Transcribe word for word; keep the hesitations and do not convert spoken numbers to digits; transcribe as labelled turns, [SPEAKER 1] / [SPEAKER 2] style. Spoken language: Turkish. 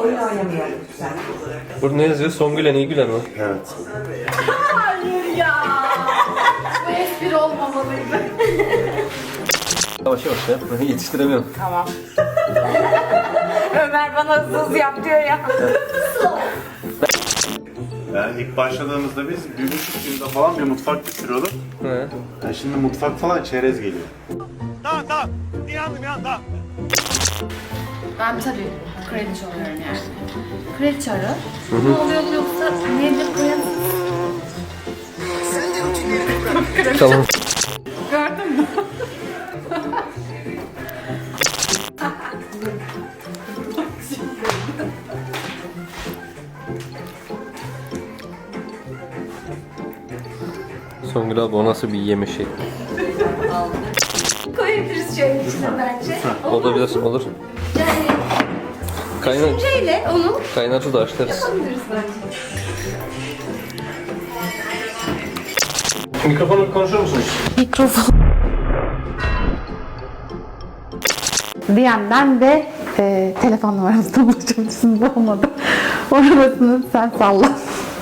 [SPEAKER 1] oyun oynamayalım sen.
[SPEAKER 2] Burada ne yazıyor? Songülen İlgülen mi?
[SPEAKER 3] Evet.
[SPEAKER 4] Hayır ya. Bu espri olmamalıydı.
[SPEAKER 2] Yavaş yavaş ya. Yetiştiremiyorum.
[SPEAKER 1] Tamam. Ömer bana hızlı hızlı yap diyor ya.
[SPEAKER 3] Yani ilk başladığımızda biz bir buçuk yılda falan bir mutfak bitiriyorduk.
[SPEAKER 2] He.
[SPEAKER 3] Yani şimdi mutfak falan çerez geliyor.
[SPEAKER 4] Ben tabii kredi çalıyorum yani. Kredi çarı. Ne oluyor yoksa nedir koyalım?
[SPEAKER 2] Tamam.
[SPEAKER 4] Gördün mü?
[SPEAKER 2] Songül abi o nasıl bir yeme şekli?
[SPEAKER 4] Koyabiliriz şöyle içine bence.
[SPEAKER 2] Olabilir, olur.
[SPEAKER 4] Yani
[SPEAKER 2] Kaynar,
[SPEAKER 4] şeyle onu
[SPEAKER 2] kaynar su da açlarız.
[SPEAKER 4] yapabiliriz bence.
[SPEAKER 2] Mikrofonu konuşur musunuz?
[SPEAKER 5] Mikrofon. D M'den de e, telefon numaramızdan ulaşabilirsiniz olmadı. Orasını sen salla.